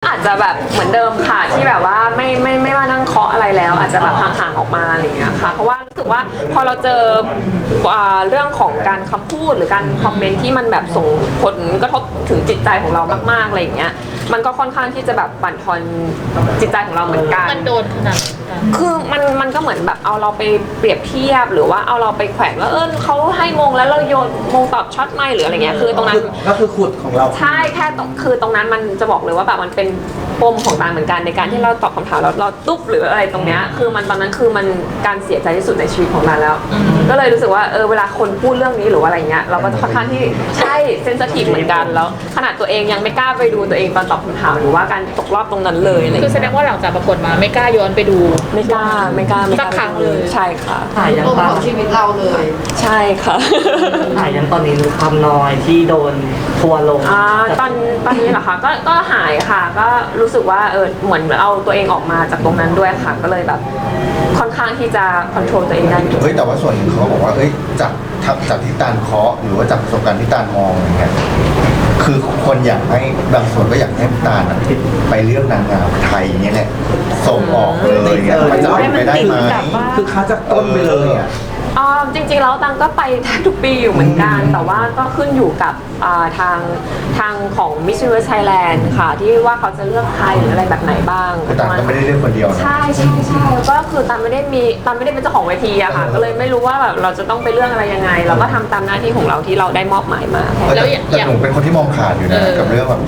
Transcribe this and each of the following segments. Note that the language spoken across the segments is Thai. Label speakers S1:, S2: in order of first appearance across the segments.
S1: อาจจะแบบเหมือนเดิมค่ะที่แบบว่าไม่ว่านั่งเคาะอะไรแล้ว อาจจะแบบห่างๆออกมาอะไรอย่างเงี้ยค่ะเพราะว่ารู้สึกว่าพอเราเจอเรื่องของการคำพูดหรือการคอมเมนต์ที่มันแบบส่งผลกระทบถึงจิตใจของเรามากๆอะไรอย่างเงี้ยมันก็ค่อนข้างที่จะแบบบั่นทอนจิตใจของเราเหมือนกัน
S2: มันโดนขนาด
S1: คือมันก็เหมือนแบบเอาเราไปเปรียบเทียบหรือว่าเอาเราไปแขวนว่าเขาให้มงแล้วเราโยนมงตอบช็อตไม่หรืออะไรเงี้ยคือตรงนั้น
S3: ก็คือขุดของเรา
S1: ใช่แค่คือตรงนั้นมันจะบอกเลยว่าแบบมันเป็นปมของตาเหมือนกันในการที่เราตอบคำถามแล้วเราตุ๊บหรืออะไรตรงเนี้ยคือมันตอนนั้นคือมันการเสียใจที่สุดในชีวิตของเราแล้วก็เลยรู้สึกว่าเวลาคนพูดเรื่องนี้หรือว่าอะไรเงี้ยเราก็จะค่อนข้างที่ใช่เซนซิทีฟเหมือนกันแล้วขนาดตัวเองยังไม่กล้าไปดูตัวเองตอนตอบคำถามหรือว่าการตกรอบตรงนั้นเลย
S2: คือแสดงว่าหลังจากประกวดมาไม่กล้าย้อนไปดู
S1: ไม่กล้า
S2: สักครั้งเลย
S1: ใช่ค่ะ
S4: ถ่ายยันตอนชีวิตเราเลย
S1: ใช่ค่ะ
S4: ถ่ายยันตอนนี้รู้ความน้อยที่โดนทัวร์ลง
S1: ตอนนี้เหรอคะก็หายค่ะก็รู้สึกว่าเหมือนเอาตัวเองออกมาจากตรงนั้นด้วยค่ะก็เลยแบบค่อนข้างที่จะควบคุมตัวเองได้
S5: แต่ว่าส่วนหนึ่งเขาบอกว่าจากที่ตาลเคาะหรือว่าจากประสบการณ์ที่ตาลมองอย่างเงี้ยคือคนอยากให้บางส่วนก็อยากให้ตาลไปเลือกนางงามไทยเนี่ยแหละส่งออกเลยเงี้ยมันจะเป็นไปได้ไหม
S3: คือค้าจากต้นไปเลยอ่ะ
S1: จริงๆแล้วตังก็ไปทุกปีอยู่เหมือนกันแต่ว่าก็ขึ้นอยู่กับทางของ Miss Universe Thailand ค่ะที่ว่าเขาจะเลือกใครหรืออะไรแบบไหนบ้าง
S5: แต่ตังก็ไม่ได้เลือกคนเดียวนะ
S1: ใช่ก็คือตังไม่ได้เป็นเจ้าของเวทีอะค่ะก็เลยไม่รู้ว่าแบบเราจะต้องไปเลือกอะไรยังไงเราก็ทำตามหน้าที่ของเราที่เราได้มอบหมายมา
S5: แล้วแต่หนูเป็นคนที่มองขาดอยู่นะกับเรื่องแบบ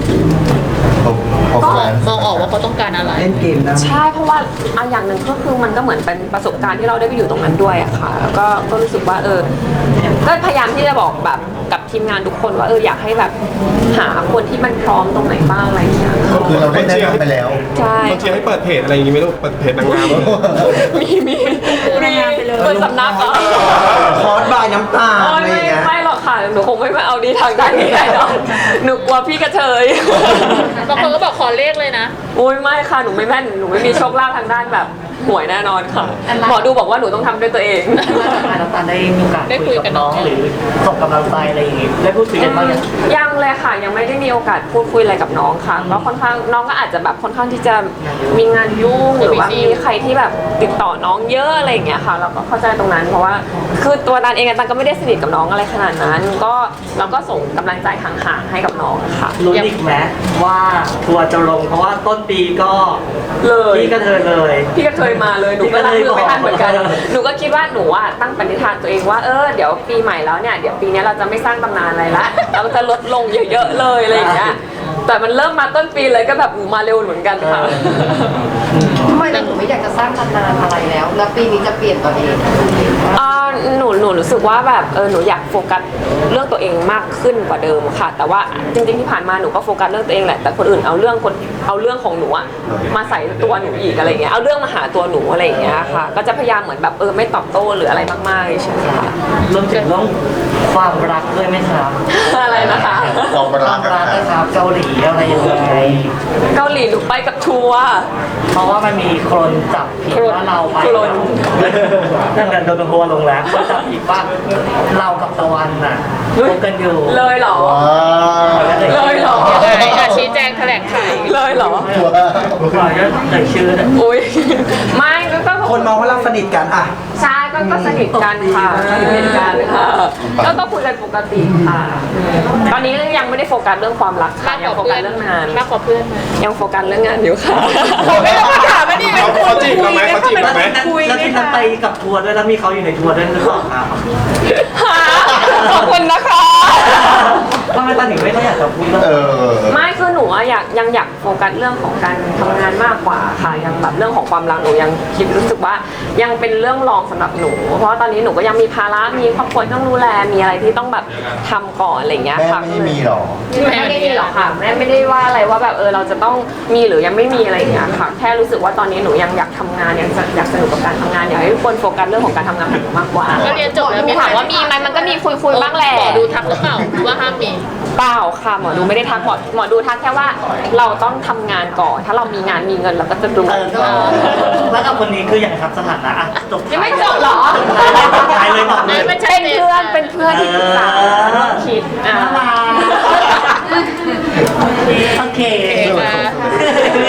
S2: มองออกว่าเขาต้องการอะไร
S3: เล่นเกมนะ
S1: ใช่เพราะว่าอย่างหนึ่งก็คือมันก็เหมือนเป็นประสบการณ์ที่เราได้ไปอยู่ตรงนั้นด้วยอะค่ะแล้วก็รู้สึกว่าก็พยายามที่จะบอกแบบกับทีมงานทุกคนว่าอยากให้แบบหาคนที่มันพร้อมตรงไหนบ้างอะไรอย่างเงี้ย
S5: คือเราได้แนะนำไปแล้ว
S1: ใช่
S6: บางทีให้เปิดเพจอะไรอย่างงี้ไม่รู้เปิดเพจนางงาม
S1: มีเปิดสำนักเหรอ
S3: คอร์สบายน้ำตาอะไรอย่างเงี้ย
S1: ไม่หรอกค่ะหนูคงไม่มาเอาดีทางด้านนี้ได้หรอกหนูกลัวพี่กระเทย
S2: บางคนก็บอกขอเลขเลยนะ
S1: โอ้ยไม่ค่ะหนูไม่แม่นหนูไม่มีโชคลาภทางด้านแบบหวยแน่นอนค่ะหมอดูบอกว่าหนูต้องทำด้วยตัวเอง
S4: น้ำตาลได้มีโอกาสคุยกับน้องหรือส่งกำลังใจอะไรอย่างงี้ได้พูดคุยกันบ้าง
S1: ยังเลยค่ะยังไม่ได้มีโอกาสพูดคุยอะไรกับน้องค่ะก็ค่อนข้างน้องก็อาจจะแบบค่อนข้างที่จะมีงานยุ่งหรือว่ามีใครที่แบบติดต่อน้องเยอะอะไรอย่างเงี้ยค่ะเราก็เข้าใจตรงนั้นเพราะว่าคือตัวตันเองตันก็ไม่ได้สนิทกับน้องอะไรขนาดนั้นก็เราก็ส่งกำลังใจห่างๆให้กับน้องค่ะ
S4: รู้อีกไหมว่าทัวร์จะลงเพราะว่าต้นปีก็
S1: เลย
S4: พี่กระเทยเลย
S1: พี่กระเทยมาเลยหนูก็รับมือไม่ทันเหมือนกันหนูก็คิดว่าหนูตั้งปณิธานตัวเองว่าเดี๋ยวปีใหม่แล้วเนี่ยเดี๋ยวปีนี้เราจะไม่สร้างตำนานอะไรละเราจะลดลงเยอะๆเลยอะไรอย่างเงี้ยแต่มันเริ่มมาต้นปีเลยก็แบบมาเร็วเหมือนกันค่ะ
S7: ทำไมหนูไม่อยากจะสร้างตำนานอะไรแล้วปีนี้จะเปลี่ยนตัวเอง
S1: หนูรู้สึกว่าแบบหนูอยากโฟกัสเรื่องตัวเองมากขึ้นกว่าเดิมค่ะแต่ว่าจริงๆที่ผ่านมาหนูก็โฟกัสเรื่องตัวเองแหละแต่คนอื่นเอาเรื่องของหนูมาใส่ตัวหนูอีกอะไรเงี้ยเอาเรื่องมาหาตัวหนูอะไรอย่างเงี้ยค่ะก็จะพยายามเหมือนแบบไม่ตอบโต้หรืออะไรมากๆใช่ไหมคะ
S4: รวมถึงเรื่องความรักด้วยไหมครับ
S1: อะไรนะคะ
S5: ความรัก
S4: นะครับเกาหลีอะไรยังไง
S1: เกาหลีหนูไปกับทัวร์
S4: เพราะว่ามันมีคนจับผิดว่าเราไปนั่นกันโดนทัวร์ลงแล้วคนจับผิดว่าเรากับตะวันน่ะคบกันอยู่
S1: เลยเหรอเลยเหรอ
S2: ชี้แจงแถลงไข
S1: เลยเหรอ
S4: ขอจะเอ่ยชื่อ
S1: อุ้ยไม่ก็
S3: คนมองว่าเราสนิทกันอ่ะ
S1: ใช่ก็สนิทกันค่ะสนิทกันค่ะก็คุยกันปกติค่ะตอนนี้ยังไม่ได้โฟกัสเรื่องความรักค่ะยังโฟกัสเรื่องงาน
S2: มากกว่าเพื่อน
S1: ยังโฟกัสเรื่องงานอยู่ค่ะ
S2: ไม่ต้องมาถามไม่ดี
S6: เขาจีบเราไหมเขาจีบเราไหม
S4: แล้วที่นั้นไปกับทัวร์ด้วยแล้วมีเขาอยู่ในทัวร์ด้วยหรือเปล่าครับ
S1: ขอบคุณนะคะ
S4: ทำไมตอนถึงไม่ค่อยอยากจะพูด
S1: ไม่คือหนูยังอยากโฟกัสเรื่องของการทำงานมากกว่าค่ะยังแบบเรื่องของความรักหนูยังคิดรู้สึกว่ายังเป็นเรื่องรองสำหรับหนูเพราะตอนนี้หนูก็ยังมีภาระมีครอบครัวต้องดูแลมีอะไรที่ต้องแบบทำก่อนอะไรอย่างเงี้ยค่ะ
S5: แม่ไม่มีหรอ
S1: แม่ไม่ได้มีหรอกค่ะแม่ไม่ได้ว่าอะไรว่าแบบเราจะต้องมีหรือยังไม่มีอะไรอย่างเงี้ยค่ะแค่รู้สึกว่าตอนนี้หนูยังอยากทำงานยังอยากสนุกกับการทำงานอยากให้ทุกคนโฟกัสเรื่องของการทำงานของหนูมากกว่า
S2: ก็เรียนจบแล้วมี
S1: ถามว่ามีไหมมันก็มีคุยบ้างแหละ
S2: หมอดูทักหรือเปล่าว่าห้ามมี
S1: เปล่าค่ะหมอดูไม่ได้ทักหมอดูทักแค่ว่าเราต้องทำงานก่อนถ้าเรามีงานมีเงินเราก็จะดู
S4: แล้วกับคนนี้คืออย่างครับสถานะจบ
S1: ยังไม่จบหรอ
S4: ตายเลยบอกเลย
S1: เป็นเพื่อนที่ปรึกษาคิด
S4: โอเค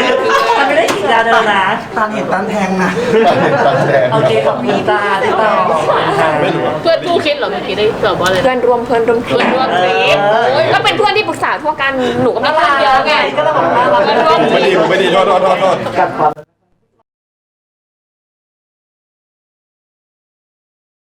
S4: เดินนะ
S3: ตาเห็นตาแทงนะ
S5: ตอนแรก
S4: โอเคขอบคุณจ้าที่ต่อ
S6: ไม่รู้อะ
S2: เพื่อนคู่คิดเหรอเมื่อกี้ได้แบบว่าอะไร
S1: เพื่อนร่วมทริป
S2: เพื่อนร่วมทริปโอ้ย
S1: ก็เป็นเพื่อนที่ปรึกษาทั่วกันหนูก็มีเพื่อนเยอะไง
S4: ก็ต้องบอกว่าเรา
S2: เพื่อนร่วมท
S6: ไม่
S2: ริ
S6: ดี
S2: ป
S6: ผมไม่ดีโทษ
S3: กัดความ